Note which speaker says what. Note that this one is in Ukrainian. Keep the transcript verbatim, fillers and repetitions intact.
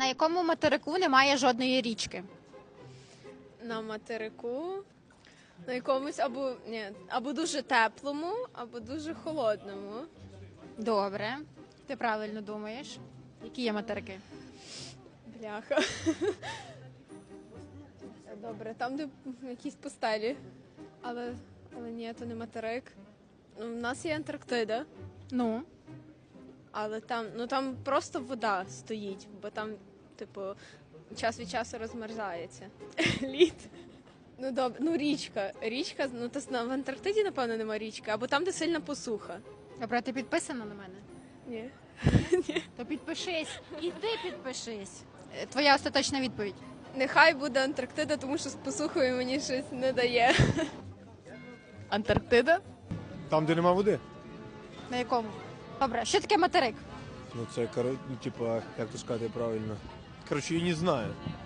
Speaker 1: якому материку немає жодної річки?
Speaker 2: На материку, на якомусь або ні, або дуже теплому, або дуже холодному.
Speaker 1: Добре. Ти правильно думаєш. Які є материки?
Speaker 2: Бляха. Добре, там, де якісь пустелі. Але, але ні, то не материк. Ну, у нас є Антарктида,
Speaker 1: Ну,
Speaker 2: але там, ну там просто вода стоїть, бо там, типу, час від часу розмерзається. Лід. Ну добре, ну річка. Річка, ну то с- в Антарктиді, напевно, нема річки, або там, де сильна посуха.
Speaker 1: добре, ти підписана на мене?
Speaker 2: Ні.
Speaker 1: То підпишись. І ти підпишись. Е, Твоя остаточна відповідь.
Speaker 2: Нехай буде Антарктида, тому що з посухою мені щось не дає.
Speaker 1: Антарктида?
Speaker 3: Там, де нема води.
Speaker 1: На якому? Добре, що таке материк?
Speaker 3: Ну це, коро- ну, типа, як то сказати правильно. Коротше, я не знаю.